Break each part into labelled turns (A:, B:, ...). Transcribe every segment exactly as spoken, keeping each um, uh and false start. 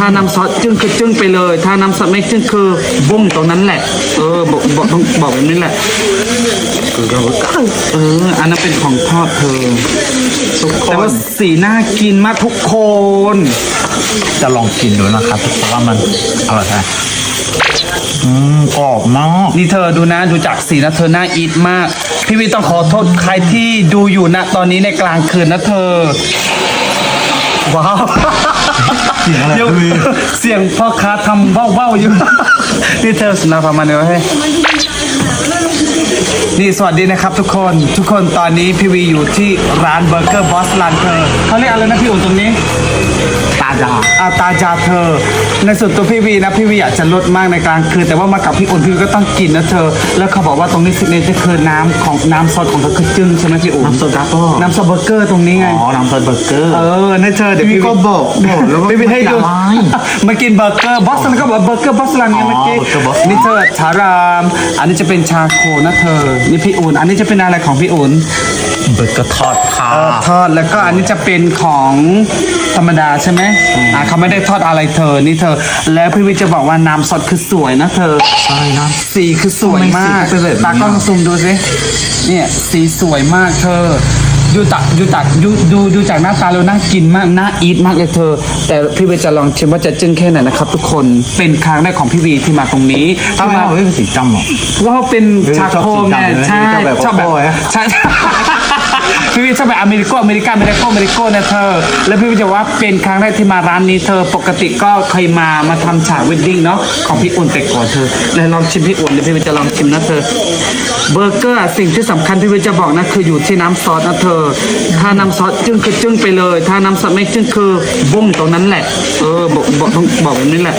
A: าน้ำซอสจึ้งคือจึ้งไปเลยถ้าน้ำซอสไม่จึ้งคือบุ้งตรงนั้นแหละเออบอกบอกต้องบอกแบบนี้แหละเอออันนั้นเป็นของทอดเธอแต่ว่าสีน่ากินมากทุกคน
B: จะลองกินดูนะครับเพราะว่ามันอร่อยใช่อืมกรอบมาก
A: นี่เธอดูนะดูจากสีนะเธอน่าอีทมากพี่วิต้องขอโทษใครที่ดูอยู่นะตอนนี้ในกลางคืนนะเธอว้าว
B: เสียงอะไร
A: เดี๋ยวเสียงพ่อค้าทำเบ้าๆอยู่ นี่เธอสนาประมาณนี้ให้นี่สวัสดีนะครับทุกคนทุกคนตอนนี้พี่วีอยู่ที่ร้านเบอร์เกอร์บอสร้านเธอเขาเรียกอะไรนะพี่อุ่นตรงนี้
B: ตาจา
A: อาตาจาเธอในส่วนตัวพี่วีนะพี่วีอยากจะลดมากในกลางคืนแต่ว่ามากับพี่อุ่นพี่วีก็ต้องกินนะเธอแล้วเขาบอกว่าตรงนี้ซิกเนเจอร์คือน้ำของน้ำซอสของเธอคือจึ้งใช่ไหมพี่อุ่น
B: น้ำโซดาก็
A: น้ำซอสเบอร์เกอร์ตรงนี้ไง
B: อ๋อน้ำซอสเบอร์เกอร์
A: เออในเธอเดี๋ยว
B: พี่
A: พี่
B: ก็บอกบอกแล้วว่า
A: พี่วีให้ดู
B: ไม่
A: มากินเบอร์เกอร์บอสซันก็บอกเบอร์เกอร์บอสซันไงเมื่อกี้
B: อ๋อเบอร์เกอร์บอสซัน
A: นี่เธอชารามอันนี้จะเป็นชาโคนะเธอนี่พี่อุ่นอันนี้จะเป็นอะไรของพี่อุ่น
B: เบอร์เกอร์ทอดค่ะ
A: เออทอดแล้วก็อันนี้จะเป็นของธรรมดาใช่ไหมอ่าเขาไม่ได้ทอดอะไรเธอนี่เธอ แล้วพี่วิทย์จะบอกว่าน้ำสดคือสวยนะเธอ
B: ใช่นะ
A: สีคือสวยมาก
B: ทำไมสีเป็นแบบนี้
A: ตากล้องซูมดูสิเนี่ยสีสวยมากเธอดูตักดูตักดูดูดูจากหน้าตาแล้วน่ากินมากน่าอีทมากเลยเธอ แต่พี่วิทย์จะลองชิมว่าจะจึ้งแค่ไหนนะครับ ทุกคนเป็นครั้งแรกของพี่วีที่มาตรงนี้
B: ทำไม
A: ที่มา
B: เราไม่เป็นสีจำหรอ
A: เพราะว่าเป็นชาโคไง
B: ชอบสีดำเลยนะ
A: ใช่
B: ชอบแบบ
A: ชอบแบบ
B: โก้ๆนะ
A: ใช่ พี่วิทย์ชอบแบบอเมริกาอเมริกาอเมริกาอเมริกานะเธอ แล้วพี่วิทย์จะว่าเป็นครั้งแรกที่มาร้านนี้เธอปกติก็เคยมามาทำฉากเวดดิ้งเนาะของพี่อุ่นแต่ก่อนเธอแล้วลองชิมพี่อุ่นเดี๋ยวพี่วิทย์จะลองชิมนะเธอเบอร์เกอร์อะสิ่งที่สำคัญพี่วิทย์จะบอกนะคืออยู่ที่น้ำซอสนะเธอ ถ้าน้ำซอสจึ้งคือจึ้งไปเลย ถ้าน้ำซอสไม่จึ้งคือบุ้งตรงนั้นแหละ เออบอกบอกต้องบอกแบบนี้แหละ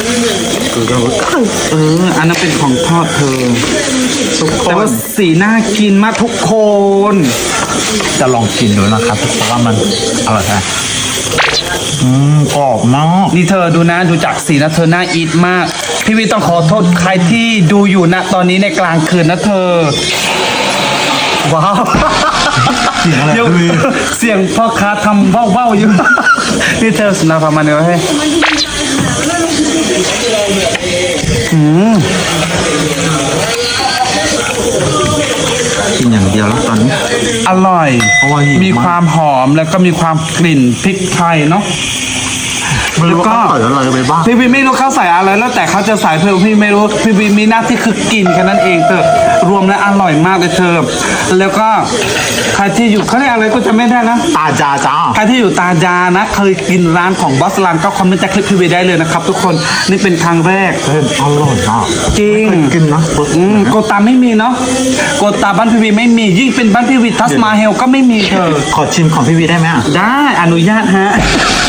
A: เอออันนั้นเป็นของทอดเธอ
B: ทุกค
A: แต่
B: น
A: ว่าสีน่ากินมากทุกคน
B: จะลองกินดูนะครับเพราะว่ามันอร่อยใช่อืมกรอบมาก
A: นี่เธอดูนะดูจากสีนะเธอน่าอีทมาก พี่วีต้องขอโทษใครที่ดูอยู่นะตอนนี้ในกลางคืนนะเธอ ว้าว
B: เสียงอะไร
A: เดี๋ยว
B: พี่วี
A: เสียงพ่อค้าทำเบ้าๆอยู่ นี่เธอสนาประมาณนี้ให้อืม
B: กินอย่างเดียวแล้วตอนนี้
A: อร่อย
B: เพราะว่าหิวมาก
A: มีความหอมแล้วก็มีความกลิ่นพริกไทยเนาะ
B: ไม่รู้ว่าเขาใส่อะไรไปบ้าง
A: พี่บีไม่รู้เขาใส่อะไรแล้วแต่เขาจะใส่เพิ่มพี่ไม่รู้พี่บีมีหน้าที่คือกินแค่นั้นเองเธอรวมแล้วอร่อยมากเลยเธอแล้วก็ใครที่อยู่เขาเรียกอะไรก็จะไม่ได้นะ
B: ตาจาจ้า
A: ใครที่อยู่ตาจานะเคยกินร้านของบอสลันก็คอมเมนต์จากคลิปพี่บีได้เลยนะครับทุกคนนี่เป็นครั้งแรก
B: เฮ้ยอร่อยอ่ะ
A: จริง
B: ไม่เคยกินนะ
A: อืมโกตาไม่มีเนาะโกตาบ้านพี่บีไม่มียิ่งเป็นบ้านพี่บีทัสมาเฮลก็ไม่มีเธอ
B: ขอชิมของพี่วีได้ไหมอ่ะ
A: ได้อนุญาตฮะ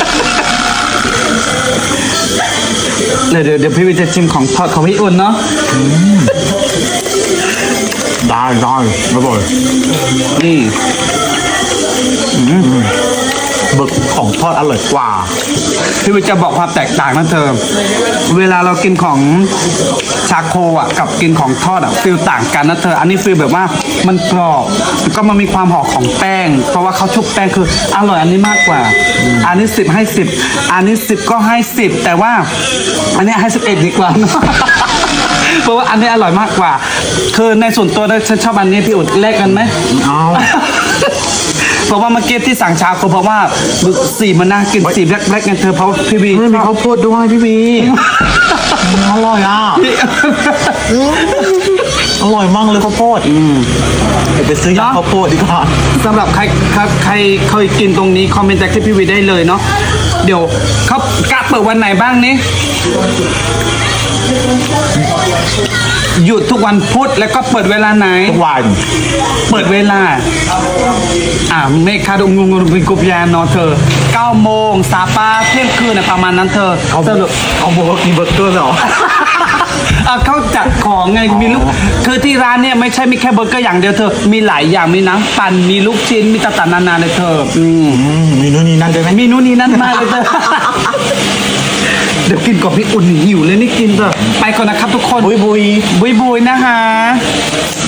A: เดี๋ยวเดี๋ยวเดี๋ยวพี่วิจะชิมของทอดของพี่อุ่นเนาะ
B: ได้ได้อร่อย
A: นี่
B: เบิกของทอดอร่อยกว่า
A: พี่วิจะบอกความแตกต่างนะเธอ เวลาเรากินของชาโคอ่ะกับกินของทอดอ่ะฟิลต่างกันนะเธอ อันนี้ฟิลแบบว่ามันกรอบแล้วก็มันมีความหอมของแป้ง เพราะว่าเขาชุบแป้งคืออร่อยอันนี้มากกว่า อันนี้สิบให้สิบอันนี้สิบก็ให้สิบแต่ว่าอันนี้ให้สิบเอ็ดดีกว่า เพราะว่าอันนี้อร่อยมากกว่า คือในส่วนตัวนะฉันชอบอันนี้พี่อุดแลกกันไหม
B: เอา
A: เพราะว่าเมื่อกี้ที่สั่งชาโคเพราะว่าสีมันน่ากินสีแบล็คแบล็คกันเธอเพราะว่าพี่วี
B: ไม่มีข้าวโพดด้วยพี่วีอร่อยอ่ะอร่อยมากเลยข้าวโพดเดี๋ยวไปซื้อยาข้าวโพดดีกว่า
A: สำหรับใครใครใครเคยกินตรงนี้คอมเมนต์จากที่พี่วีได้เลยเนาะเดี๋ยวเขากะเปิดวันไหนบ้างนี่หยุดทุกวันพุธแล้วก็เปิดเวลาไหน
B: ทุกวัน
A: เปิดเวลา อ่าเมฆคาดงงงเป็นกุปยานเนาะเธอเก้าโมงสาปาเที่ยงคืนนะประมาณนั้นเธอ
B: เขา
A: สรุป
B: เขาบอกว่ากินเบอร์เกอร์เหรอ
A: อ่ะเขาจัดของไงมีลูกคือที่ร้านเนี่ยไม่ใช่มีแค่เบอร์เกอร์อย่างเดียวเธอ มีหลายอย่างมีน้ำปั่นมีลูกชิ้นมีต่างๆนานาเลยเธอ อืม
B: อืมมีนู่นนี่นั่นด้วยไหม
A: มีนู่นนี่นั่นมากเลยเธอ เดี๋ยวกินกับพี่อุ่นหิวเลยนี่กินเถอะไปก่อนนะครับทุกคน
B: บุยบุย
A: บุยบุยนะคะ